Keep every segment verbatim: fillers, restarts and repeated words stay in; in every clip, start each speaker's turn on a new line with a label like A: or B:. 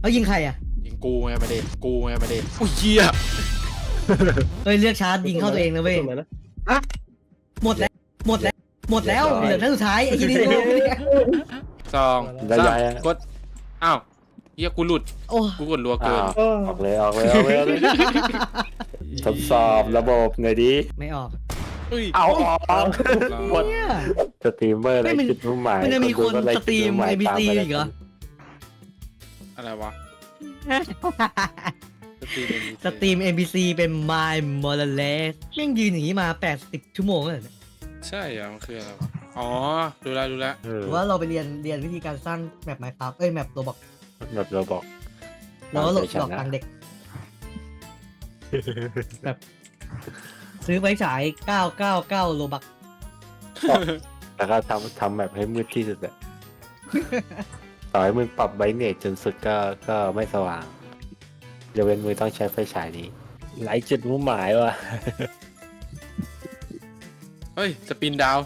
A: เขายิงใครอ่ะ
B: ยิงกูไงประเด็นกูไงประเด็นอุ้ยเหี้ย
A: เฮ้ยเลือกชาร์จยิงเข้าตัวเองนะเว้ยหมดแล้วหมดแล้วหมดแล้วเหลือท่านสุดท้ายไอ้ที่นี่โง่เนี่ย
B: สองสามกดอ้าวเหี้ยกูหลุด
A: โอ้
B: กูกดรัวเกิน
C: ออกเลยออกเลยออกเลยออกเลยทดสอบระบบหน่อยดิ
A: ไม่ออก
B: อุ้ย
C: เอาออกหมด
A: เนี่ย
C: สตรีมเมอร์อะไรคิดมุ่งหมาย
A: มันจะมีคน
C: ดูก็ไ
A: สตรีม
C: คิด
A: เอ
C: มุ่งห
A: บี
C: ย
A: ซี
C: ตามไป
A: อีกเหรอ
B: อะไรวะสตรีม
A: สตรีม เอ็ม บี ซี เป็น My m o r a l e s แม่งยืนอย่างนี้มาแปดสิบชั่วโมงแล้วเนี่ย
B: ใช่เหรอมันคืออะไรวะอ๋อดูแลดูแล
C: เออ
A: หรือว่าเราไปเรียนเรียนวิธีการสร้างแมป Minecraft เอ้ยแมปตัวบอก
C: แบบเราบอก
A: แล้วก็หลอก
C: ตามใจฉัน
A: หลอก
C: นะ
A: ตังค์เด็ก แบบซื้อไฟฉายเก้าเก้าเก้าโลบัก
C: แล้วก็ทำทำแบบให้มืดที่สุดอะต่อให้มึงปรับไบรท์เนสจนสุดก็ก็ไม่สว่างยกเว้นมึงต้องใช้ไฟฉายนี้ไร้จุดมุ่งหมายว่ะ
B: เฮ้ยสปินดาว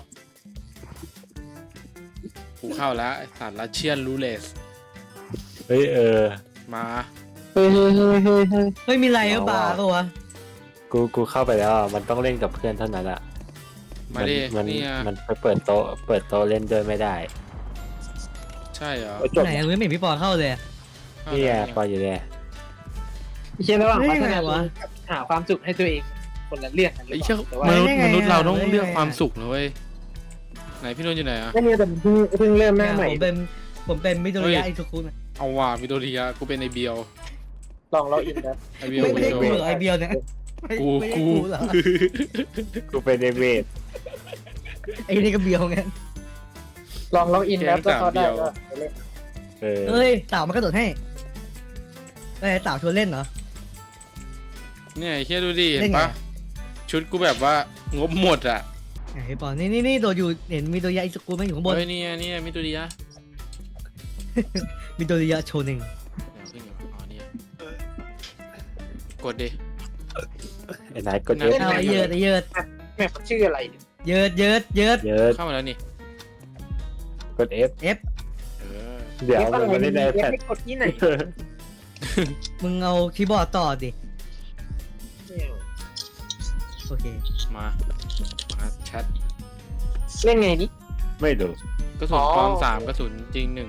B: กูเข้าแล้วไอ้สัตว์ลัชเชียนรูเลส
C: เฮ้ยเออ
B: มา
C: เฮ้ยเฮ้ยเฮ้ยเฮ้ยเฮ้ย
A: เฮ้ยมีไรก็บาร์ปะวะ
C: กูกูเข้าไปแล้วอะมันต้องเล่นกับเพื่อนเท่านั้นอะ
B: มาดิ
C: มัน
B: เนี่ย
C: มันไปเปิดโต๊ะเปิดโต๊ะเล่นด้วยไม่ได้
B: ใช่เหรอ
A: ไหนยังไม่เห็นพี่ปอเข้าเลยอะ
B: เข้า
C: นี่ไง
B: แล้ว
C: ปออยู่เนี่ย
D: ไม่ใช่ระหว่าง
A: เฮ้ย
D: พัฒ
A: ยังไง
D: นาว
A: ะ
D: กับหาความสุขให้ตัวเองคนละเรื่องกันหรือ
B: ไอ้
D: เป
B: เชี่ย
D: ล่าแต่ว่าม
B: นุษย์
A: ได้ไง
B: มนุษย์เราต้อง
A: ได้ไง
B: เลือกความสุขนะเว้ยไหนพี่นนท์อยู่ไหนอะ
D: ไม่เนี่ยแต่เพิ่งเพิ่งเริ่มหน้าใหม่
A: ผมเป็นผมเป็นมิโดริยะอิซุคุนะ
B: เอาว่ะวิโดริยะกูเป็นไอเบียว
D: ลองเราอินนะ
B: ไอเบียว
A: ไม่ไม่ใช่
B: โด
A: กูเหรอไอเบียวเนี่ยไม่
B: กู
A: ไม่ใช่
B: กู
A: เหรอ
C: กูเป็นเดเวด
A: ไอ้นี่ก็เบียวไง
D: ลองเราอินแล้วถ้าเขาได้ก็ไปเล่น
C: เออ
A: เฮ้ยเต่ามันกระโดดให้เอ้ยเต่าชวนเล่นเหรอ
B: เนี่ยไอ้เชี่ยดูดิเห็
A: เล่
B: น
A: นไง
B: ปะชุดกูแบบว่างบหมดอะ
A: ไอ้ปอนี่นี่นี่โดดอยู่เห็นมิโดริยะอิซุคุไหมอยู่ข้างบน
B: เฮ้ยเนี่ยเนี่ยมิโดริยะ
A: มิโดริยะโชเนึง
B: เดี๋ยวขึ้นอยู่อ๋อเนี่ยกดดิ
C: ไอ้นายกดเยอะ
A: เอาไอ้เยิดไอ้เยิด
D: แม่มันชื่ออะไรเนี่ย
A: เยิดเยิดเยิด
C: เยอะ
B: เข้ามาแล้วนี่
C: กด F
A: F
B: เออ
C: เดี๋ยว
D: เอ๊ะ
C: มันไม่ได้ใน
D: เอ๊ะ
C: แพด
D: ให้กดที่ไหน
A: มึงเอาคีย์บอร์ดต่อดิ
D: ไม่เอา
B: มา
A: โอเค
B: มาแชท
D: เล่นไงนี่
C: ไม่ดู
B: กระสุน
D: อ๋อ
B: ปลอมสามกระสุนจริงหนึ่ง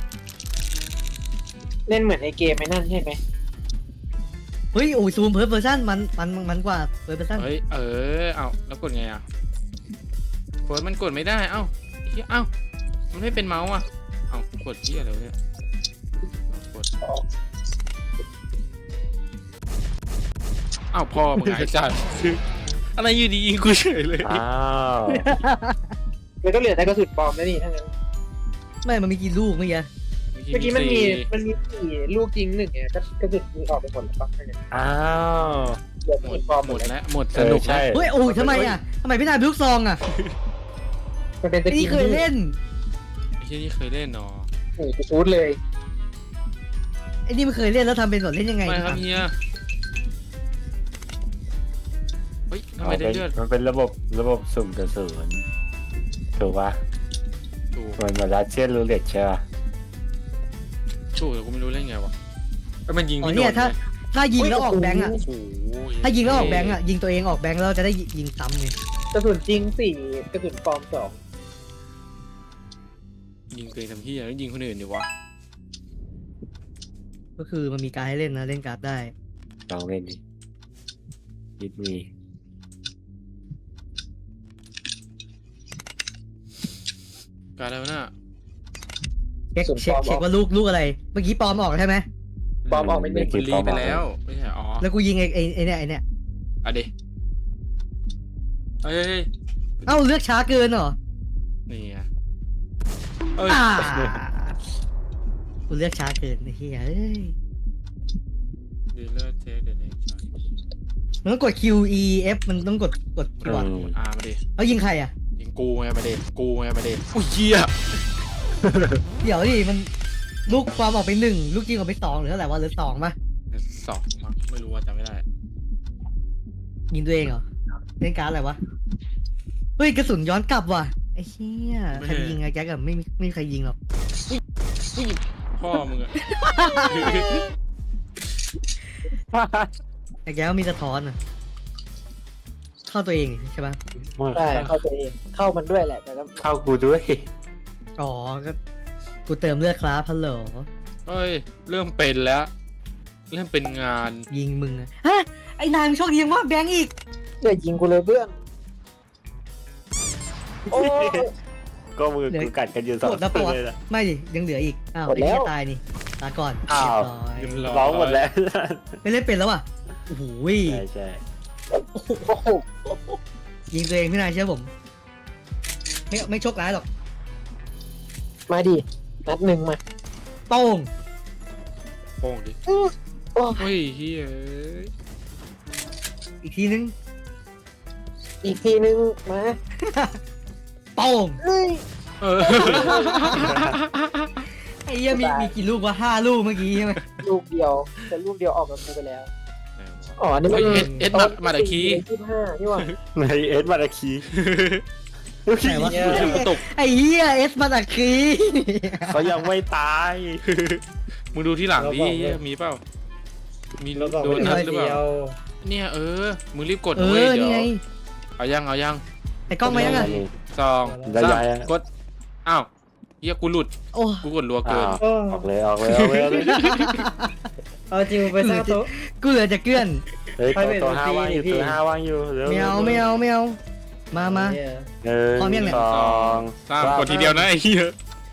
D: เล่นเหมือนในเกมไอ้นั่นใช่ไหม
A: เฮ้ยโอ้ยซูมเพิร์ฟเวอร์ชันมันมันมันกว่าเพิร์ฟเวอร์ชัน
B: เฮ้ยเออเอาแล้วกดไงอ่ะเฟิร์สมันกดไม่ได้เอ้าเฮียเอ้ามันไม่เป็นเมาส์อ่ะเอ้ากดที่อะไรวะเนี่ยเอากดเอ้าพ่อมึงไอ้สัตว์อะไรอยู่ดียิงกูเฉยเลย
C: อ้าว
D: เลยก็เหลือแต่กระสุนปลอมแล้วนี่ทั้งนั้น
A: ไม่มันมีกี่ลูกเมื่อกี้
D: เมื่อกี้มันมีมันมีสี่ลูกยิงหนึ่งไงก็กระสุนมีออกไปหมดแล้วปะทั้งนั้น
C: อ้าว
D: เหลือกระ
B: หม
D: สุ
B: ด
D: นปลอม
B: ห
D: ห
B: ม
D: ม
B: ด
D: ดแล้ว
B: แล้วหมด
C: เอ
B: ส
C: อ
B: นุก
C: ใช่
B: แล้ว
A: เฮ้ยโอ้ยทำไมอ่ะทำไมพี่นายเป็นลูกซองอ่ะ
D: มันเป็นตะ
A: ไอ้
D: กี้
A: นี่เคยเล่น
B: ไอ้ที่นี่เคยเล่นเนาะ
D: โอ้โหฟูดเลย
A: ไอ้นี่มันเคยเล่นแล้วทำเป็นสดเล่นยังไง
B: ไม่ครับ
A: ดี
B: เฮียเฮ้ยทำไม
C: มัน
B: ได้
C: เป็น
B: เลือด
C: มันเป็นระบบระบบสุ่มกระสุนถูกปะ
B: ถูก
C: มันมาลัดเชียนรูเล็ตใช่ปะ
B: ถูกแต่กูไม่รู้เล่นไงวะเอ้ยมันยิง
A: อ๋อ
B: ไม่โด
A: เนี่ย
B: น
A: ถ้า
B: เลย
A: ถ้ายิงแล้วออกแบงค์อ่ะ
B: โอ้โห
A: ถ้ายิงแล้วออกแบงค์อ่ะยิงตัวเองออกแบงค์แล้วจะได้ยิงซ้ำไง
D: กระสุนจริงสี่กระสุนปลอมสอง
B: ยิงตัวเองทำเฮียแล้วยิงคนอื่นดิวะ
A: ก็คือมันมีการให้เล่นนะเล่นการ์ดได้
C: ลองเล่นดิยิดมี
B: การแล้วน่ะ
A: เช็คเช็คเช็คว่าลูกลูกอะไร เมื่อกี้ปลอมออกใช่ไหม
D: ปลอมออกไม่ได้
B: มันรีไปแล้วไม่ใช่อ๋อ
A: แล้วกูยิงไอ้ไอ้ไอ้เนี่ยไอ้เนี่ย
B: เอาดิเฮ้ยเฮ้ยเฮ้ย
A: เอ้าเลือกช้าเกินเหรอ
B: นี่ไงเอ้ย
A: อ่ากูเลือกช้าเกินไอ้เหี้ยเอ้ย
B: ดีเลอร์เทสเดนเนชั่น
A: มันต้องกด Q E F มันต้องกดกดคีย์บอร์ด
C: อืม
B: อ่ามาดิ
A: แล้วยิงใครอ่ะ
B: ยิงกูไงประเด็นกูไงประเด็นอุ้ยเหี้ย
A: เดี๋ยวดิมันลูกความออกไปหนึ่งลูกยิงออกไปสองหรือเท่าไหร่วะหรือสองปะ
B: สองมั้งไม่รู้ว่าจำไม่ได้
A: ยิงตัวเองเหรอเล่นการ์ดอะไรวะเฮ้ยกระสุนย้อนกลับว่ะไอ้เหี้ยใครจะยิงไงแจ็คอะไม่มีไม่มีใครยิงหรอก
B: พ่อมึงอะ
A: แต่แกก็มีสะท้อนอ่ะเข้าตัวเองใช่ปะ
D: ใช่เข้าตัวเองเข้ามันด้วยแหละแต่ก็
C: เข้ากูด้วย
A: อ๋อก็กูเติมเลือดครับฮัลโหล
B: เฮ้ยเริ่มเป็นแล้ว เริ่มเป็นงาน
A: ยิงมึงอะฮะไอ้นายมึงโชคดียังว่าแบงค์อีก
D: เดี๋ยวยิงกูเลยเพื่อนโอ้ย
C: ก็มือกูกัดกันอยู่สอง
A: หมดแล้ว
C: ค
A: ป
C: น
A: อด
C: เลยนะ
A: ไม่ดิยังเหลืออีกอ้าว
D: หมด
A: ไอ้
D: แล้ว
A: เหี้ยตายนี่ตายก่อน
C: อ้าว
A: เรียบร้อย
B: เรียบ
C: ร้องหมดแล้ว
A: ไม่เล่นเป็นแล้วอ่ะโอ้โห
C: ใช่ใช่
A: โอ้โห
D: โอ้โห
A: ยิงตัวเองพี่นายเชื่อผม ไม่ไม่โชคร้ายหรอก
D: มาดินัดหนึ่งมา
A: โป้ง
B: โป้งดิ
D: อื้อโอ้ย
B: เฮ้ยเฮ้ย
A: อีกทีนึง
D: อีกทีนึงมา
A: โป้ง
D: เฮ้ย
B: เออ
A: ไอ้เหี้ยมีมีกี่ลูกวะห้าลูกเมื่อกี้ใช่ไหม
D: ลูกเดียวแต่ลูกเดียวออกกับกูไปแล้วอ๋อนี่มัน
B: เฮ้ยเอ็ดเอ็ดมามาตะคี
D: ยี่สิบห้านี่หว่า
C: ในเอสมาราคี
A: ไหนวะ
D: เนี่ย
B: กระตุก
A: ไอ้เหี้ยเอสมาตะคี
C: เขายังไม่ตาย
B: มึงดูที่หลังดิเหี้ยมีเปล่า มี
D: เราบอก
B: โดน
D: ไม่
B: นัด
D: ได้
B: หรือ
D: เดี
B: เปล่า
D: ยว
B: เนี่ยเออ มึงรีบกด
A: เอ
B: นะเว้ย
A: อ
B: เดี๋
A: นี่
B: ยว
A: ไง
B: เอายังเอายัง
A: ไอ้กล้องมายังอ่ะ
B: สอง
C: ได้
B: สาม
C: ยัง
B: กด อ้าวเฮียกูหลุด
A: โอ้
B: กูกดรัวเกิน
C: อ้าวออกเลยออกเลยออกเลยออกเลย
D: เอาจริงไปสร้างโต๊ะ
A: กูเหลือจะเกลื่อน
C: เฮ้ย
D: ไป
C: ตัว
D: เป็น
C: ตัวห้า
D: พี่
C: ว่างอยู่
D: พี่
C: ตัวห้าว่างอยู่เร็ว
A: ไม่เอาไม่เอาไม่เอามามา
D: เนี่ย
C: หนึ่ง
A: พร้อมยังเนี่ย
C: สอง
B: สามกดทีเดียวนะไอ้เฮีย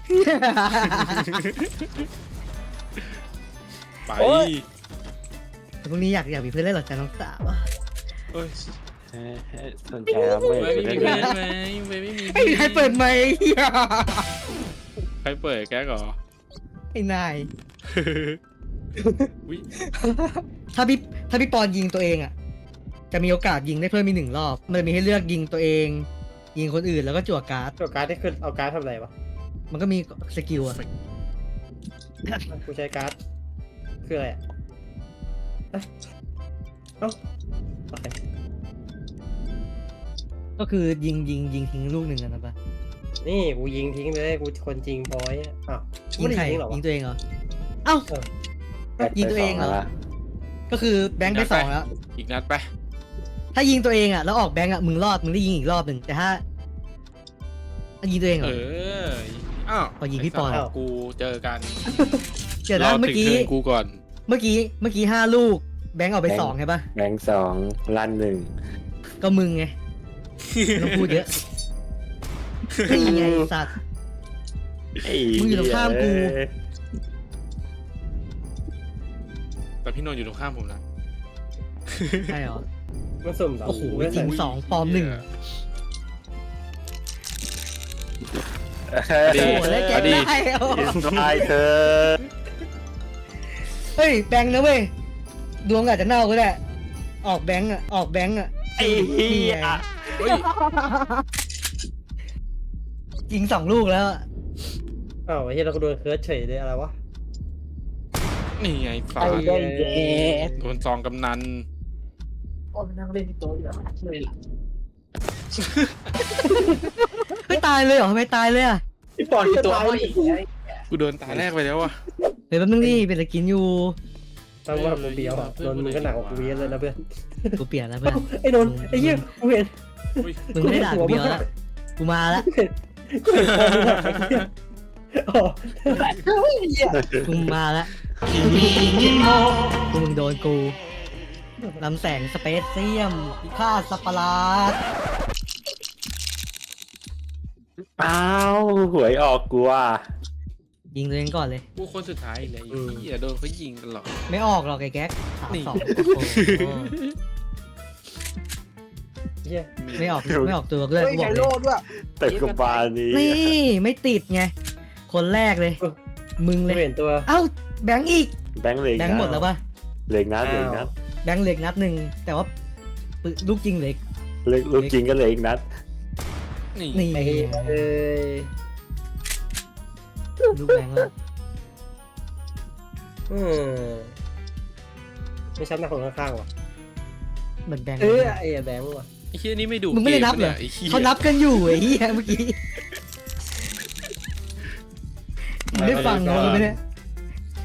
B: ไป
A: แต่พรุ่งนี้อยากอยากมีเพื่อนเล่นหรอจ๊ะน้องสาว
B: เอ้ย
C: เอ้ยเอ้ยสนใจแล้วไม่
B: ไม่มี
C: ไม่
B: เพื่อน
C: ไม่
B: ไหมไม่ไม่มี
A: ไอ้นายเปิดไหมค์เหี้ย
B: ใครเปิดแก๊กเหรอ
A: ไอ้นาย
B: วิ
A: ถ้าพี่ถ้าพี่ปอนยิงตัวเองอ่ะ จะมีโอกาสยิงได้เพิ่มมีหนึ่งรอบ มันจะมีให้เลือกยิงตัวเอง ยิงคนอื่นแล้วก็จั่วการ์ด
D: ตัวการ์ดที่คือเอาการ์ดทำอะไรวะ
A: มันก็มีสกิลอ่ะ
D: กูใช้การ์ดคืออะไรอ่ะเอ้ยเอ้าโอเค
A: ก็คือยิงยิงยิงทิ้งลูกหนึ่งอะนะปะ
D: นี่กูยิงทิ้งเลยกูคนจริงพอยอ่ะอ้าวกู
A: ยิง
D: ไม่
A: ใคร
D: ได้ยิงหรอวะ
A: ยิงตัวเองเหรอ เอ้า ยิงตัวเองเหรอ
C: ไปสละ
A: ก็คือแบงค์ไปสองแล้ว
B: อีกนัดไป
A: ถ้ายิงตัวเองอ่ะแล้วออกแบงค์อ่ะมึงรอดมึงได้ยิงอีกรอบหนึ่งแต่ถ้ายิงตัวเองเหร
B: เอ
A: อ
B: ออ้าว
A: พอยิงพี่ปอน
B: ไสัตว์กูเจอกัน
A: เดี๋ยวนะ
B: ร
A: เมื่อกี้
B: ถึงกูก่อน
A: เมื่อกี้เมื่อกี้ห้าลูก แบงค์ออกไปสองใช่ปะ
C: แบงค์สองลั่นหนึ่ง
A: ก็มึงไงไม่ต้องพูดเยอะนี่ไงไอ้สัตว์
C: ไอ้
A: มึงอยู่ตรงข้ามกู
C: เอ้ย
B: แต่พี่นนท์อยู่ตรงข้ามผมนะ
A: ใช่เหรอ
D: มันสุ่มเหรอ
A: โอ้โห
D: ไม่
A: จริง
D: ใส่
A: สองปลอมหนึ่ง
B: ดี
A: โอ้โหแล้วแก
B: ดี
A: ได้โอ้
C: ตายเธอ
A: เฮ้ยแบงค์นะเว้ยดวงอาจจะเน่าก็ได้ออกแบงค์อ่ะออกแบงค์อ่ะ
C: ไอ้เหี้ย
B: เฮ้ย
A: ยิงสองลูกแล้วอะ
D: อ้าวไอ้เหี้ยเราก็โดนเคิร์ชเฉยเลยอะไรวะ
B: นี่ไงฟ้า
D: ไอ้ได้เย้
B: โดนซองกำนัน
D: โอ้ยนั่งเล่นที่โต๊ะอยู่แล้วเลยล่ะ
A: ไม่ตายเลยเหรอทำไมตายเลยอ่ะ
D: พี่ปอนที่โต๊ะอีก
B: กูโดนตาแรกไปแล้วว่ะ
A: เฮ้ยแป๊บนึงนี่เป็นตะกินอยู่
D: ตั้งว่ากูเบียวอ่ะโดนมึงก็หนักกว่ากูเยอะเลยนะเพื่อน
A: กูเปลี่ยนแล้วเพื่อน
D: ไอ้นนท์ไอ้เหี้ยกูเห็น
B: อุ้ย
A: มึงไม่ได้ด่ากูเดียวแล้วกูมาแล้ว
D: กูเห็นคอมึงอะอ๋อไอ้เหี้ย
A: กูมาแล้วกูมึงโดนกูลำแสงสเปซเซียมพิฆาตสัตว์ประหลาด
C: อ้าวหวยออกกูอ่ะ
A: ยิงตัวเองก่อนเลย
B: กูคนสุดท้ายเลยไอ้เหี้ยโดนเขายิงตลอด
A: ไม่ออกหรอกไอ้แก๊กสาม
B: นี่
A: สองโอ้โห
D: เหี้ย
A: ไม่ออกไม่ออกตัวเพื่อน
D: เฮ้ย
A: กูบ
D: ไง
A: อกเล
D: โล
A: ย
D: ดด้วย
C: แต่กบาลนี้
A: นี่ไม่ติดไง คนแรกเลย มึง
D: กู
A: เลย
D: เห็นตัว
A: เอ้าแบงค์อีก
C: แบงค์เหล็ก
A: แบงค์หมดแล้วปะ
C: เหล็กนัดเหล็กนัด
A: แบงค์เหล็กนัดหนึ่งแต่ว่าปืนลูกจริงเหล็ก
C: เหล็กลูกจริงก็เหล็กนัด
B: นี่
A: นี่
D: ไอ้เอ้ย
A: ลูกแบงค์แล้ว
D: อืมไม่ช้ำหน้าคนข้างๆว่ะ
A: เหมือนแบงค์
D: เออไอ้แบงค์ว่ะ
B: ไอ้เหี้ยนี่ไม่ดู
A: มึงไม่ได้นับเหรอ
B: กมนี่ยไหี้ย
A: เขานับกันอยู่ไอ้เหี้ยเมื่อกี้มึงได้ฟังเหรอมึงไม่ได้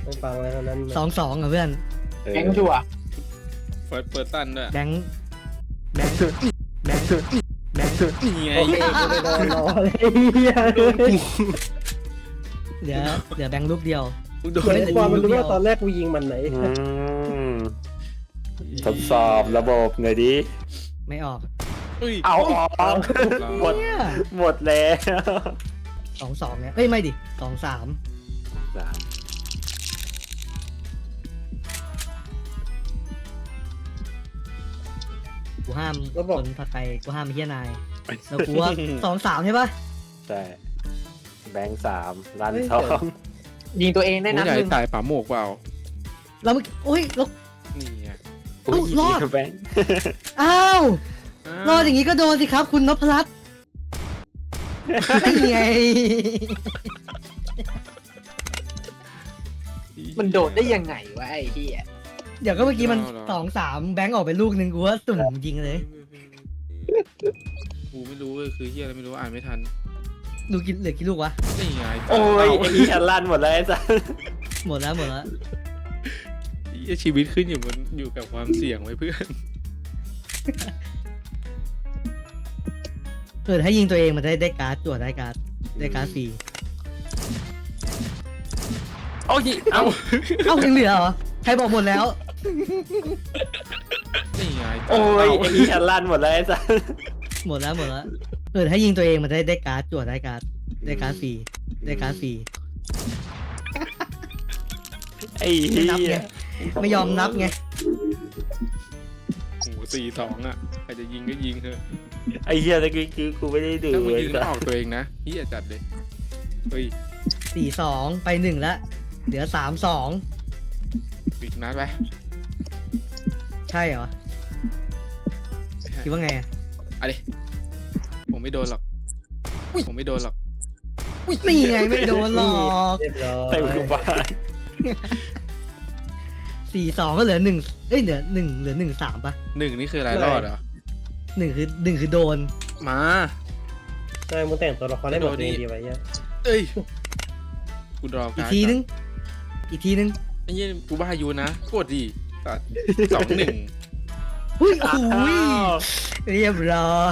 D: ไม่ฟังอะไรทั้งนั้น
A: สองสองอ่ะเพื่อน
C: เออ
E: แกงชัวร์
B: เฟิร์สเปิดตันด้วย
A: แบงค์แบงค์แบงค์แบงค์
B: นี่ไง
D: โอเคกูไม่โดนรอเลยเหี้ย
A: เหลือเหลือแบงค์ลูกเดียว
B: กูโดน
D: เฮ้ยความมันรู้ว่าตอนแรกกูยิงมันไหน
C: อืมทดสอบระบบหน่อยดิ
A: ไม่ออก
B: เอ้ย
C: เอาออกหมด
A: เนี่ย
C: หมดแล้ว
A: สองสองเนี่ยเอ้ยไม่ดิสองสาม
C: สาม
A: กูห้ามคนผัดไปกูห้ามไอ้เฮียนายแล้วกูว่าสองสามใช่ปะ
C: ใช่แบงค์สามรันสอง
E: ยิงตัวเองได้
B: กู
E: นัด
B: ใหญ่
E: หนึ่ง
B: ตายป่าโมกเปล่า
A: แล้วเมื่อกี้โอ้ยแล้ว
B: นี่ไง
C: อุ้ย
A: รอด
C: แบงค์
A: อ้าว
B: อ้าว
A: รอดอย่างนี้ก็โดนสิครับ คุณนพรัตน์ไม่ไง
E: มันโดดได้ยังไงวะไอ้เหี้ย
A: เดี๋ยวก็เมื่อกี้มันสองสามแบงค์ออกไปลูกหนึ่งกูว่าสุ่มยิงเลย
B: กูไม่รู้เลยคือเฮียอะไรไม่รู้อ่านไม่ทัน
A: ดูกินเหลือกี่ลูกวะ
B: นี่ไง
C: โอ้ย
B: เา
C: ไอ้เหี้ยลั่นหมดแล้วไอ้สัส
A: หมดแล้วหมดแล้ว
B: เหี้ยชีวิตขึ้นอยู่บนอยู่กับความเสี่ยงไว้เพื่อน
A: เออถ้ายิงตัวเองมันได้ได้การ์ดตรวจได้การ์ดได้การ์ดฟรี
C: โอ้ยเอา
A: เอ้ายังเหลือเหรอใครบอกหมดแล้ว
B: นี่ไง
C: โอ้ย
B: เา
C: ไอ้เหี้ยลั่นหมดแล้วไอ้สัส
A: หมดแล้วหมดแล้วเออถ้ายิงตัวเองมันได้ได้การ์ดตรวจได้การ์ดได้การ์ดฟรีได้การ์ดฟรี
C: ไอ้
A: ไม่
C: เหี้
A: นับไง
C: ย
A: ไม่ยอมนับไง
B: โอ้โหสี่สองอ่ะใครจะยิงก็ยิงเถอะ
C: ไอ้เหี้ยตะกี้คือกูไม่ได้ดู
B: ถ้ามึง
C: เลย
B: ยิงแล้วออกตัวเองนะเฮียจัดเลยเฮ้ย
A: สี่สองไปหนึ่งแล้วเหลือสามสอง
B: ปิดนัดไป
A: ใช่เหรอคิดว่าไงอะ
B: เอาดิผมไม่โดนหรอกผมไม่โดนหรอก
A: นี่ไงไม่โดนหรอก
D: เรียบร้อย
C: เต็มกูบ้าน
A: สี่สองก็เหลือหนึ่งเอ้ยเหลือหนึ่งเหลือหนึ่งสามปะ
B: หนึ่งนี่คืออะไรรอดเหรอ
A: หนึ่งคือหนึ่งคือโดน
B: มา
D: ใช่มึงแต่งตัวละครได้หมดเลยดีไว้เหี้ย
B: เอ้ยกูรอ
A: อี
B: กาก ร
A: ทีนึงอีกทีนึง
B: ไอ้เหี้ยกูบ้าอยู่นะกดดิตัดสองหนึ่ง
A: อุ้ยโอ้ยเรียบร้อย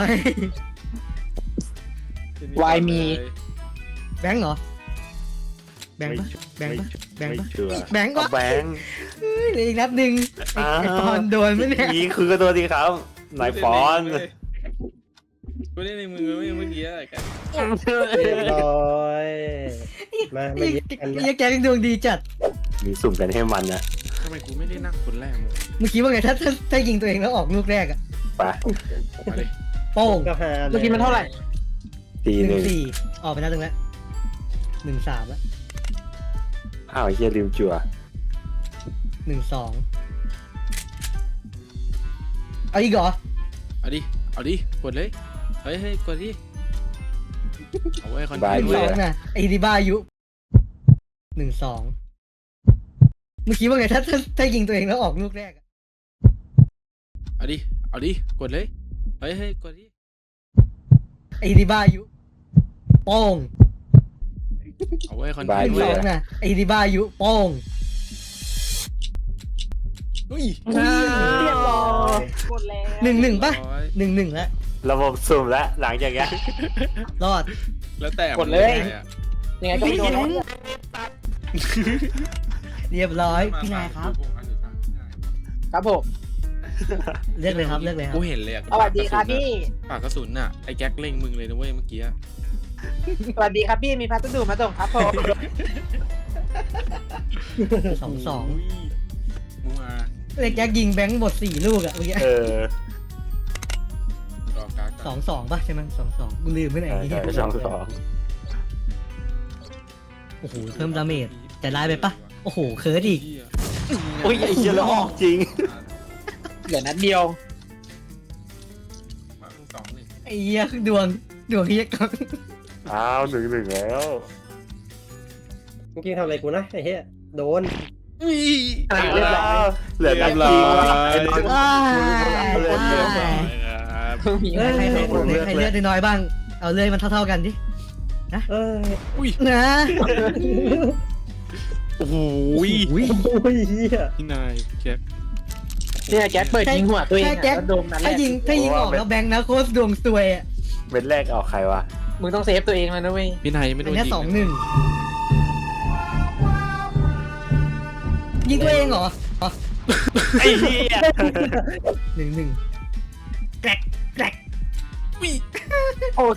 E: วายมี
A: แบงค์เหรอแบงค์ปะแบงค์ปะแบงค์
C: ไม่
A: ปะ
C: เชื่อ
A: แบงค์
C: เอา
A: ปะ
C: แบงค์
A: เฮ้ยเหลืออีกนัดหนึ่งไอ้
C: อ้าว
A: ไอ้ปอนโดนไหมเนี่ย
C: นี่คือตัวดีครับนายฟอน
B: กูเล่นในมือเมื่อกี้อะไรกัน
D: เรียบร้อยมา
A: ไอ้
D: มายิงกัน
A: ไอ้แกงดวงดีจัด
C: มีสุ่มกันให้มันนะ
B: ทำไมกูไม่ได้นั่งคนแรกมึง
A: เมื่อกี้ว่าไงถ้าถ้าถ้ายิงตัวเองแล้วออกลูกแรกอะ
C: ไป
B: มาเลย
A: โป้ง
D: ก็หา
E: เมื่อกี้มันเท่าไหร่
C: ตี
A: ห
C: ห
A: นึ่
C: นึ่
A: ง
C: ง
A: สี่ออกไปนัดหนึ่งแล้วหนึ่งสามแล้ว
C: อ้าวไอ้เฮียลืมจั่ว
A: หนึ่งสองเอาอีกเหรอ
B: เอาดิเอาดิกดเลยเฮ้ยเฮ้ยกดดิเอาไว้คอน
C: บา
B: เท
C: ย
B: นต์
A: หนึ่ง
B: เว้
A: สอย งนะไอ้ดีบ้าอายุหนึ่งสองเมื่อกี้ว่าไงถ้าถ้าถ้ายิงตัวเองแล้วออกลูกแรกอะ
B: เอาดิเอาดิกดเลยเฮ้ยเฮ้ยกดดิ
A: ไอ้ดีบ้าอายุโป้ง
B: เอาไว้คอน
A: ห
B: เทน
A: นึ่
B: ต์
A: ง
B: เว้
A: ส
B: ย
A: องนะไอ้ดีบ้าอายุโป้ง
E: เรียบร้อยหมดแล้ว
A: หนึ่งหนึ่งปะ
B: ร้อย
A: หนึ่งหนึ่งแล้ว
C: ระบบสุ่มแล้วหลังจากเนี้ย
A: รอด
B: แล้วแต่
E: กดเลย
B: มึงไงอะ
E: ยังไงก็ไม่โดนแล้ว
A: เรียบร้อยพี่นายครับ
E: ครับผม
A: เลือกเลยครับเลือกเลยครั
B: กู
A: บ
B: เห็นเลยอะ
E: สวัสดีครับพี่
B: ปากกระสุนน่ะไอ้แก๊กเล็งมึงเลยนะเว้ยเมื่อกี้อะ
E: สวัสดีครับพี่มีพัสดุมาส่งครับผม
A: สองสอง
B: ยมึงมา
A: เล็กแจ็คยิงแบงค์หมดสี่ลูกอะเมื่อกี้
C: เออ
B: รอการ์ด
A: สองสองปะใช่ไหมสองสองกูลืมไปไหน
C: ใช่
A: เนี่ย
C: ใช่ช่องสอง
A: โอ้โหเพิ่มดาเมจแต่ไล่ไปปะโอ้โหเคิร์ดอีก
C: โอ้ยไอ้เหี้ยแล้วออกจริง
E: เหลือนัดเดียว
B: สองหนึ่ง
A: ไอ้เหี้ยดวงดวงเฮียกัง
C: อ้าวหนึ่งหนึ่งแล้ว
D: เมื่อกี้ทำอะไรกูนะไอ้เหี้ยโดน
E: อ่ะเรียบร้อย
C: เหลือนัดจริงว่ะไอ้บอล
A: ว้าย
C: เลือดเลือด
A: ว้าย
B: ครับ
E: มี
A: เอ้ย
E: ให้
A: ใคร
E: ให้
A: ใครใครเลือดน้อยๆบ้าง เอาเลยมันเท่าๆกันดิ
D: เออ
B: อุ้ย
A: นะ
B: โอ้โห
A: อุ้ย
D: โอ้ยเหี้ย
B: พี่นายแจ็ค
E: เนี่ยแก๊สเปิดยิงหัวตัวเอง
A: ใช่
E: อะ
A: แจ็ค
E: แล้วโดนนั้นแห
A: ถ้า
E: ละ
A: ยิงถ้ายิงออกแล้วแบงค์นะโคตรดวงซวยอ่ะ
C: เม็ดแรกออกใครวะ
E: มึงต้องเซฟตัวเองแล้วนะเว้ย
B: พี่นายยังไม่โด
A: อัน
B: น
A: เนี้ย
B: ยิง
A: สองหนึ่งยิงตัวเองเหรออ๋อ
C: ไอ้เหี้ย
A: หนึ่งหนึ่งแกรกแกรก
B: อุ้ย
E: โอเค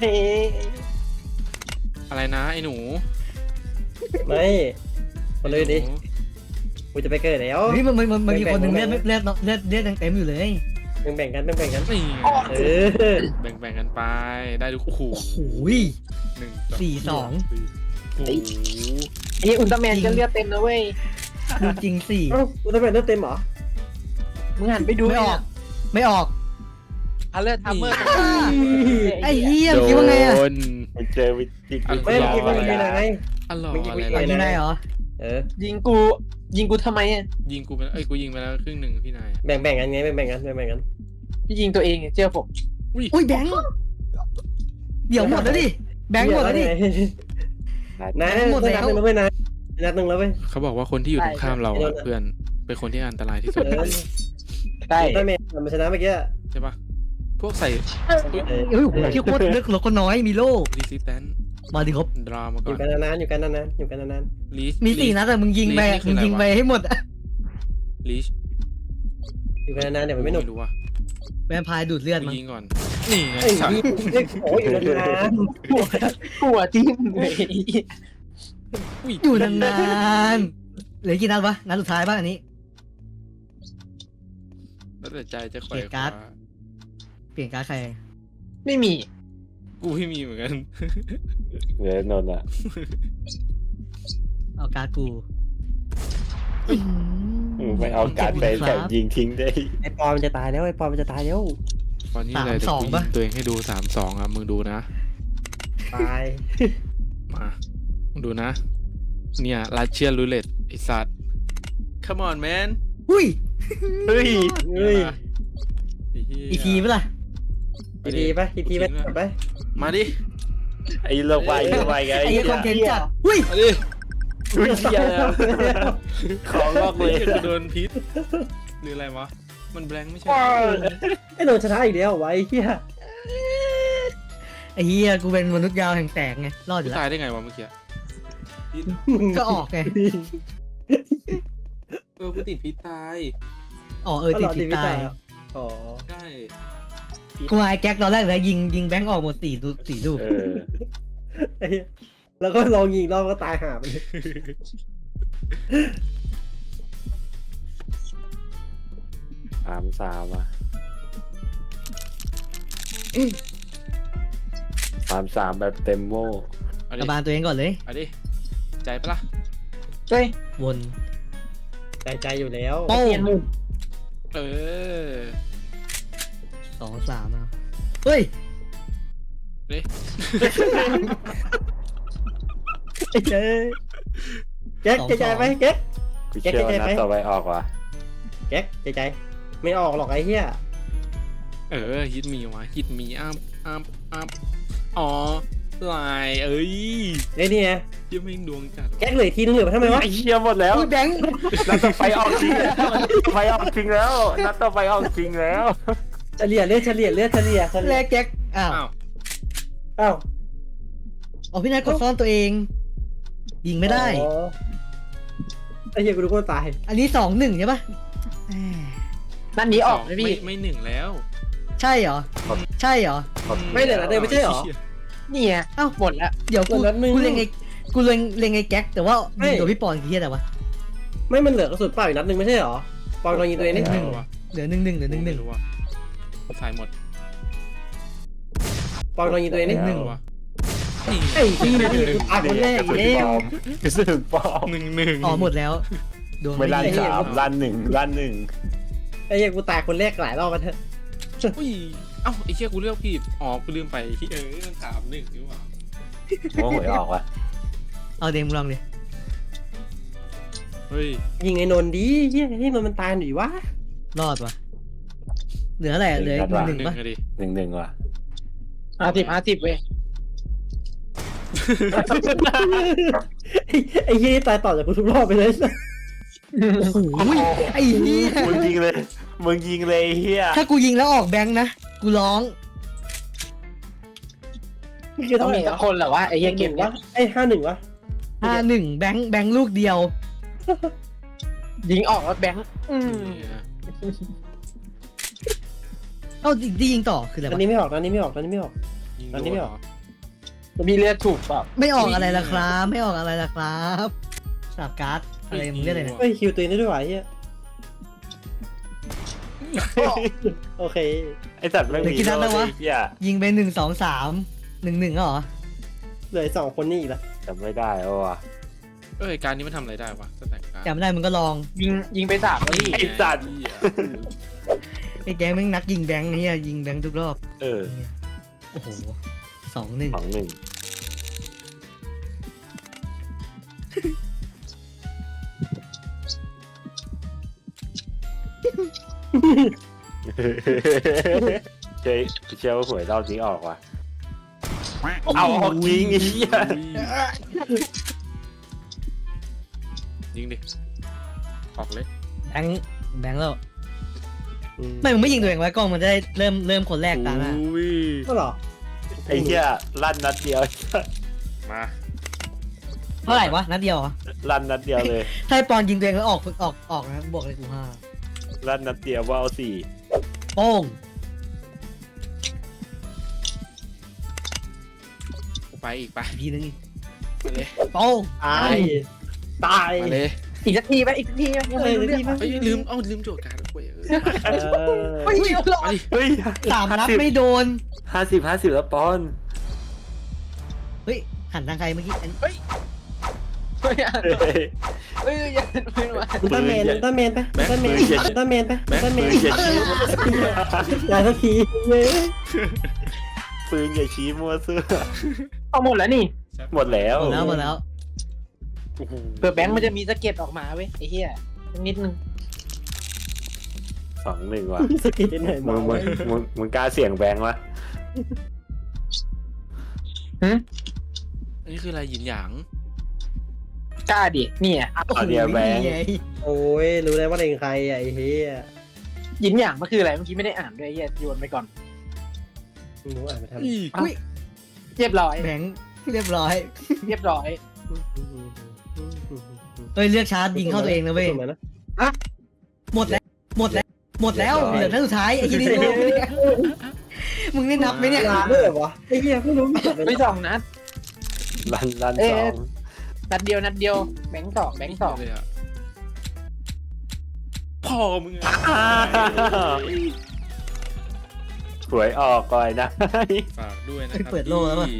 B: อะไรนะไอ้หนู
D: ไม่คนเลยดิ
B: ไอ้หนู
D: กูจะไปเกิดแล้ว
A: เฮ้ยมันมันมันมันมี
D: แบ่งๆ
A: คนหนึ่ง
D: แบ่
A: เลือง ด
D: ๆ
A: เลือดเลือดเลือดยังเต็มอยู่เลย
D: แบ่งแบ่งๆกันแบ่งแบ่งๆกัน
B: นี่
D: เออ
B: แบ่งแบ่งกันไปได้ดูโอ้โห
A: โอ้โห
B: หนึ่ง
A: สี่สอง
B: โอ้โห
E: ไอ้อุลตร้าแมนก็เลือดเต็มนะเว้ย
A: ดูจริงสี่
D: เอ้ากูจะเป็นเลือดเต็มเหรอ
E: มึงหันไปดู
A: ไม่ออก ไม่ออก
E: เอาเลือดทัมเมอร์
A: ไอ้เหี้ยคิดว่าไงอ่ะ
B: โดน
C: มันเจอวิจิตร
D: ไม่เมื่อกี้มันมีอะไรไง
B: อ๋อเหรอ
D: เมื่อกี้
B: อะไร
D: เมื่อกี้
B: ล่ะ
A: ยิงได้เหรอ
D: เออ
E: ยิงกูยิงกูทำไมอ่ะ
B: ยิงกูไปแล้วเอ้ยกูยิงไปแล้วครึ่งหนึ่งพี่นาย
D: แบ่งแบ่งๆกันไงแบ่งแบ่งๆกันแบ่งแบ่งๆกัน
E: พี่ยิงตัวเองเชื่อผม
A: อุ้ยแบงค์เดี๋ยวหมดแล้วดิแบงค์หมดแล้วดิ
D: นาย
A: หมดแล้ว
D: นัดหนึ่งแล้วเว้ยนายนัดหนึ่งแล้วเว้ย
B: เขาบอกว่าคนที่อยู่ตรงข้ามเราอะเพื่อนเป็นคนที่อันตรายที่สุด
D: เออ
E: ได้
D: ได้เมย์มันชนะเมื่อกี้
B: ใช่ปะพวกใส่อุ้ย
D: เออ
A: เฮ้ยโอ้โหที่โคตรเลือกเราก็น้อยมีโล่
B: รีซิสแตน
A: มาดิครับ
B: ดรามา
D: อ
B: ก่อยู่ น
D: กันนานๆอยู่กันนานๆอยู่กันนาน
B: ลีช
A: มีสี่นัดแต่มึงยิงไปมึงยิงไปให้หมดอะ
B: ลีช
D: ๆอยู่กันนานๆเดี๋ยวมันไม่หนุก
B: รู้ว่า
A: แวมไพร์ดูดเลือด
B: กู
A: มั้ง
B: ยิงก่อนนี่ไง
D: ไอ้
B: สัตว์
D: นี่โอ้ยอยู่นาน
E: หัวจิ้มเลย
B: อุ้ย
A: อยู่นานๆเหลือกี่นัดวะนัดสุดท้ายป่ะอันนี้
B: แล้วแต่ใจจะคอ
A: เก
B: ย
A: ลียดการ์ด เปลี่ยนการ์ดใคร
E: ไม่มี
B: กูไม่มีเหมือนกัน
C: เหลือนนท์อ่ะ
A: เอาการ์ดกู
C: อืมไม่เอาการไปแต่ยิงทิ้งได้
D: ๆไอ้ปอมันจะตายแล้วไอ้ปอมันจะตายแล้ว
B: ตอนนี้อะไรแต่กูยิงตัวเองให้ดูสามสองอ่ะมึงดูนะ
D: ตาย
B: มามึงดูนะ เนี่ยลาเชียรูเล็ตไอสัตว์ come on man
A: อุ้ย
C: เฮ้ย
D: เฮ้ย
A: อีกทีไหมล่ะ
D: ทีทีไปทีทีไปไป
B: มาดิ
C: ไอ้เลิกไวเลิกไวไง
A: ไอ้
C: ไอ้
A: เหี้ยคอนเทนต์จัดอุ้ย
B: มาดิ
C: อุ้ยเหี้ยของลอกเลย
B: ไอ้กูโดนพิษหรืออะไรวะมันแบงค์ไม่ใช่
D: ไอ้โดนชนะอีกแล้วไว้เฮีย
A: ไอ้เหี้ยกูเป็นมนุษย์ยาวแห่งแตกไงรอดอ
B: กู
A: ยู่แล้ว
B: ตายได้ไงวะเมื่อกี้
A: ก็ออกไง
B: เออกูติดพิษตาย
A: อ๋อเออติดติดตาย
D: อ๋อ
B: ใช่
A: กูมาไอ้แก๊กตอนแรกเลยยิงยิงแบงค์ออกหมดสี่ดูสี่ลูก
C: เออ
D: ไอ้เหี้ยแล้วก็ลองยิงรอบก็ตายหาไปเลย
C: สามสามอ่ะสามสามแบบเต็มโม่
B: เอา
A: ก
B: ดิ
A: ระบาลตัวเองก่อนเลย
B: เอาดิใจปะล่ะ
E: เฮ้ย
A: วน
D: ใจใจอยู่แล้ว
A: โป้
E: เปลี่ยนมุม
B: เออ
A: สองสามอ่ะเฮ้ย
B: เด้
D: ไอ้เจ๊แก๊กใจใจไหมแก๊ก
C: กูเชื่อว่านัดต่อไปออกว่ะ
D: แก๊กใจใจไม่ออกหรอกไอ้เหี้ย
B: เออฮิตมีวะฮิตมีอัพอัพอัพอ๋อลายเอ้ย
D: ไอ้นี่ไง
B: ยังไม่ดวงจัด
D: แก๊กเหลืออีกทีนึงเหลือไปทำไมวะ
C: ไอ้เหี้ยหมดแล้ว
A: อุ้ยแบงค์
C: นัดต่อไปออกจริงแล้วไฟออกจริงแล้วนัดต่อไปออกจริงแล้ว
D: เฉลี่ยเลือดเฉลี่ยเลือดเฉลี่ยเฉ
A: แร
D: ลี่ย
A: กแก๊กอ้าว
B: อ้าว
D: อ้าว
A: อ๋อพี่นายกดซ่อนตัวเอง ยิงไม่ได้
D: อ๋อไอ้เหี้ยกูรู้ว่าตาย
A: อันนี้สองหนึ่งใช่ปะแหม
E: นั่นนี้ออก
B: ส
E: ไหม
B: ไม่
E: พี่
B: ไม่หนึ่งแล้ว
A: ใช่เหรอ ใช่เหรอ
D: ไม่เหลือนะเดินไม่ใช่เหรอ
E: นี่ไง
A: เอ้า
E: หมดแล้ว
A: เดี๋ยวกู
D: คนละหนึ่ง
A: กูเล็งไอ้กูเล็งเล็งไอ้แก๊กแต่ว่า
D: ไม่
A: ยิงตัวพี่ปอนคือเฮียอะไรวะ
D: ไม่มันเหลือกระสุนเปล่าอีกนัดหนึ่งไม่ใช่เหรอปอนลองยิงตัวเองนี่
A: หนึ่งเหลือหนึ่งหนึ่งเหลือหนึ่งหนึ่ง
B: ไม่รู้ว่ะสายหมด
D: ปอนลองยิงตัวเองนี่
A: หนึ่ง
B: ว่ะนี่
D: ไอ้ที่นี่กูตายคนแรกอีกแล้ว
C: กระสุนปลอม
B: หนึ่งหนึ่ง
A: อ๋อหมดแล้วดวง
C: ไม่ลั่น
A: ดี
C: สามลั่นหนึ่งลั่นหนึ่ง
D: ไอ้เหี้ยกูตายคนแรกหลายรอบมาเถอะ
B: อุ้ยเอ้าไอ้เชี่ยกูเลือกผิดอ๋อกูลืมไปเออมันสามหนึ่งนี่หว่า
C: โม่หวยออกว่ะ
A: เอาเดมลองดิ
B: เฮ้ย
D: ยิงไอ้นนท์ดีเฮียให้มันมันตายหน่อยวะ
A: รอดวะเหลืออะไรเหลือหนึ่งหนึ่ง
B: หนึ่ง
A: ปะ
B: อะดิ
C: หนึ่งหนึ่งว่ะ
E: ห้าสิบห้าสิบเว้ย
D: ไอ้ไอ้ยี่ตายต่อจากกูทุกรอบไปเลย
A: โอ้ยไอ้เหี้ย
C: มึงยิงเลยมึงยิงเลยไอ้เฮีย
A: ถ้ากูยิงแล้วออกแบงค์นะกูร้อง
D: เมื่อกี้
E: ต้
D: เท่า
E: อง
D: ไห
E: มี
D: ร่
E: สักคนแหละว่าไอ้เหี้ยเกมเนี้
D: วะไอ้ห้าหนึ่งวะ
A: ห้าหนึ่งแบงค์แบงค์ลูกเดียว
E: ยิงออกแล้วแบงค์อืม
A: เอ้าที่ยิงต่อคืออะไร
D: ตอน
A: วะ
D: นี้ไม่ออกตอนนี้ไม่ออกตอนนี้ไม่ออก อันนี้ไม่ออก
E: มีเลือดถูกเปล่า
A: ไม่ออกอะไรล่ะครับ ไม่ออกอะไรล่ะครับสลับการ์ดอะไรมึงเรียกอะไรเนี่ย
D: เฮ้ยคิวตัวเองได้ด้วยวะไอ้เหี้ยโอเค
C: ไอสัตว์ไม่มีโลกไอ้เฮีย
A: ยิงไปหนึ่งสองสามหนึ่งหนึ่งเหรอ
D: เหลือสองคนนี่อีกแล้ว
C: จำไม่ได้แล้วว่ะ
B: เอ้ยการนี้มันทำอะไรได้วะสแต็กการ์ด
A: จำไม่ได้มึงก็ลอง
E: ยิงยิงไปสามแล้วพี่
C: ไอสัตว์
A: ไอ้แก๊งแม่งนักยิงแบงค์เนี่ยยิงแบงค์ทุกรอบ
C: เออ
A: โอ้โหสองหนึ่ง
C: สองหนึ่ง เจ๊เชื่อว่าหวยรอบนี้ออกว่ะเอาออกยิงไอ้เหี้ย
B: ยิงดิออกเลย
A: แบงค์แบงค์แล้วไม่มึงไม่ยิงตัวเองไว้กล้องมันจะได้เริ่มเริ่มคนแรกตามหน้า
B: อุ้ย
D: ก็หรอ
C: ไอ้เหี้ยลั่นนัดเดียว
B: มา
A: เท่าไหร่วะนัดเดียวเหรอ
C: ลั่นนัดเดียวเลย
A: ถ้าไอ้ปอนยิงตัวเองแล้วออกออกออกนะบวกเลยกูห้า
C: ลั่นนัดเดียวว่าเอาสี่
A: โป้ง
B: ไปอีกไป
A: อีกทีนึง
B: มาเลย
A: โป้ง
D: ตายตาย
B: มาเลย
E: อีกสักทีไหมอีกสักทีไหมยัง
D: เอ
E: ไม่
D: อ
E: รู้เรื่อง
D: ที่มัน
B: เฮ้ยลืมเอ้าลืมโจทย์การ์ดด้วยเออ
D: เออ
E: ไม่เยอะหรอก
B: มาดิ
C: เฮ้ย
A: สามนัดไม่โดน
C: ห้าสิบห้าสิบแล้วปอน
A: เฮ้ยหันทางใครเมื่อกี้อัน
E: ไม่อ่านเฮ้ยอย่าไม่มา
D: อุลตร้าแมนอุลตร้าแมนไปอุลตร้าแมนอุลตร้าแมนไปอุลตร้าแม
C: ปื
D: น
C: นอย่าชี้
D: อย่าสักทีเย้ย
C: ปืนอย่าชี้มั่วซื่อ
E: เอาหมดแล้วนี่
C: หมดแล้ว
A: หมดแล้วหมดแล้ว
B: โอ้โห
E: เผื่อแบงค์มันจะมีสะเก็ดออกมาเว้ยไอ้เหี้ยนิดนึง
C: สองหนึ่งว่ะ
D: สกิลไหน
C: มึ
D: มาง
C: มึงมึงมึงกล้าเสี่ยงแบงค์วะ
B: อันนี้คืออะไรหยินหยาง
E: กล้าดิเนี่ย
C: เอาเดียวแบงค์
A: นี่ไง
D: โอ้ยรู้แล้วว่าเป็นใครอ่ะไอ้เหี้ย
E: หยินหยางมันคืออะไรเมื่อกี้ไม่ได้อ่านด้วยไอ้เหี้ยโยนไปก่อน
D: มึงรู้อ่านไปทำ
B: อี
A: อุ้ย
E: เรียบร้อย
A: แบงค์เรียบร้อย
E: เรียบร้อย
A: เฮ้ยเลือกชาร์จยิงเข้าตัวเองนะเว้ย หมดแล้ว หมดแล้ว หมดแล้วเหลือท่านสุดท้ายไอ้ที่นี่โง่เนี่ยมึงได้นับไหมเนี่ย
D: ลาด้วยเหรอวะไอ้เหี้ยไม่รู้มีแต่
E: ไม่สองนัด
C: ลั่นลั่น
E: เอ๊ะ
C: สอง
E: นัดเดียวนัดเดียวแบงค์สองแบงค์สอง
B: เลยอะพ่อมึงอะ
C: หวยออกก่อนนะ
B: ฝากด้วยนะครับ
A: เปิดโลกแล้วปะ
B: พี่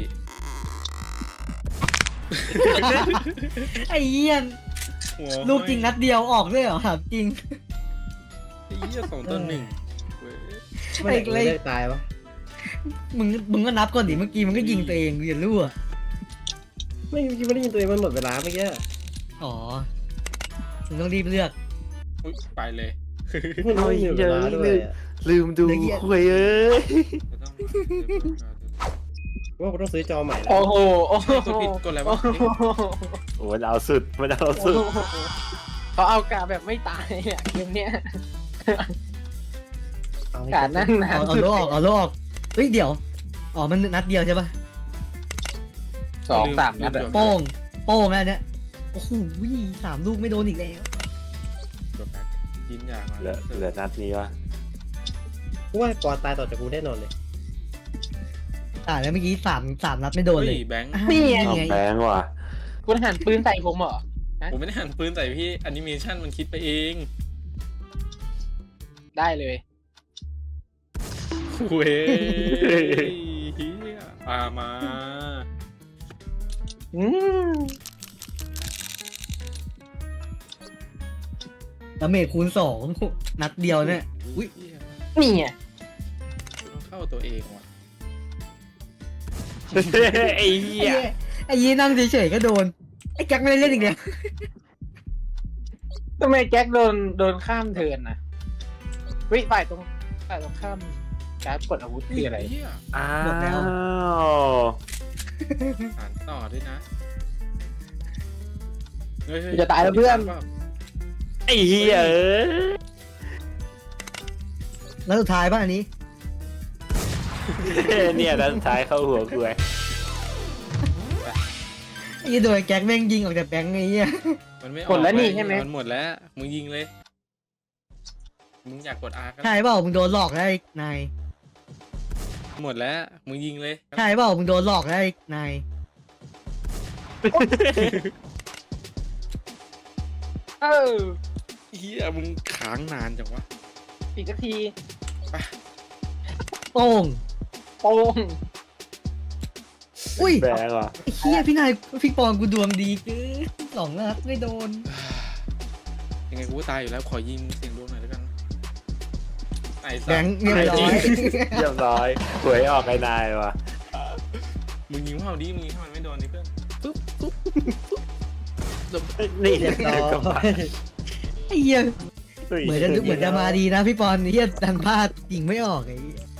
A: ไอ้เหี้ย
B: หัว
A: ลูกจริงนัดเดียวออกด้วยเหรอถามจริง
B: ไอ้เหี้ยสองต่อหนึ่งเว้ย
D: ไม่ได้ไม่ได้ตายวะ
A: มึงมึงก็นับก่อนดิเมื่อกี้มึงก็ยิงตัวเองอย่ารั่ว
D: ไม่คิดว่าได้ยินตัวเองมันหมดเวลาเมื่อกี้
A: อ๋อมึงต้องรีบเลือก
B: อุ๊ยไปเลย
D: ไม่รู้มีเวลาด้วยอะ
C: ลืมดูหวยเอ้ย
B: ก็ต้องมาเดี๋ยวเปิดการ์ด
D: ว่ากูต้องซื้อจอใหม่แล้ว
E: โอ้โหโอ้โห
B: กดผิดกดอะไรวะ
C: โอ้มันเอาสุดมันเอาสุด
E: เขาเอากาแบบไม่ตายอ่ะเกมเนี้ย
D: เอา
E: กานั่งนาน
A: เอาเอาโลออกเอาโลออกเฮ้ยเดี๋ยวอ๋อมันนัดเดียวใช่ปะ
E: สองสามนัดอะ
A: โป้งโป้งแล้วเนี่ยโอ้โหสามลูกไม่โดนอีกแล้ว
B: กดแบ็คยินอย่างมา
C: เหลือเหลือนัดนี้วะ
D: กูว่าปอนตายต่อจากกูแน่นอนเลย
A: อ่าแล้วเมื่อกี้สามสามนัดไม่โดน
B: เฮ้
A: เลย ย
B: แบงค์
A: อ่า
E: นี่ไง
C: เอา
A: ไง
C: แบงค์ว่ะ
E: คุณหันปืนใส่ผมเหรอ
B: ผมไม่ได้หันปืนใส่พี่แอนิเมชันมันคิดไปเอง
E: ได้เลย
B: เว้ยเฮียปามา
E: อืม
A: ดาเมจคูณสองนัดเดียวเนี่ย อุ๊ย
B: เหี้ย
E: นี่ไง
B: ต้องเข้าตัวเองว่ะ
C: ไอ้เหี้
A: ไอ้
C: ย
A: เหี้ยไอ้ยี่นั่งเฉยๆก็โดนไอ้แจ็คไม่ได้เล่นอีกแล้ว
E: ทำไมแจ็คโดนโดนข้ามเทิร์นนะวิฝ่ายตรงฝ่ายตรงข้ามการดกดอาวุธคืออะไร
B: เหี้ย
C: อ้า
A: หมดแล้ว
C: ว
B: สานต่อด้วยนะเฮ้ยเฮ้
E: จะตายแล้วเพื่อน
C: ไอ้เหี้ยเอ้ย
A: แล้วสุดท้ายป่ะอันนี้
C: เนี่ยด้านซ้ายเข้าหัวกูไอ้
A: ไอ้โดยแก๊กแม่งยิงออกจากแบงค์ไอ้เหี้ย
B: มันไม่ออก
E: หมดแล้วนี่
B: เย
E: ใช่ไหม
B: มันหมดแล้วมึงยิงเลยมึงอยากกดอาร์ก็
A: ใช่เปล่ามึงโดนหลอกได้นาย
B: หมดแล้วมึงยิงเลย
A: ใช่เปล่ามึงโดนหลอกได้นาย
E: เออ
B: เฮียมึงค้างนานจังวะ
E: อีกสักที
A: โป้ง
E: โป้ง
A: อุ้ย
C: แบงเหรอ
A: ไอ้เหี้ยพี่นายพี่ปอนกูดวงดีเกินสองนัดไม่โดน
B: ยังไงกูก็ตายอยู่แล้วขอยิงเสียงดวงหน่อยแล้วกันไอ้สั
A: แบ
B: ส
A: งค์เรียบร้อย
C: เรียบร้อยหวยออกไอ้นายวะ
B: มึงยิงเข้าดิมึงยิงเข้ามันไม่โดนนี่เพื่อนปุ๊บปุ๊บ
C: นี่
D: เรียบร้อย
C: ก็มา
A: ไอ้เหี้ยเหมือนจะเหมือนจะมาดีนะพี่ปอนเหี้ยดันพลาดยิงไม่ออกไอ้เหี้ย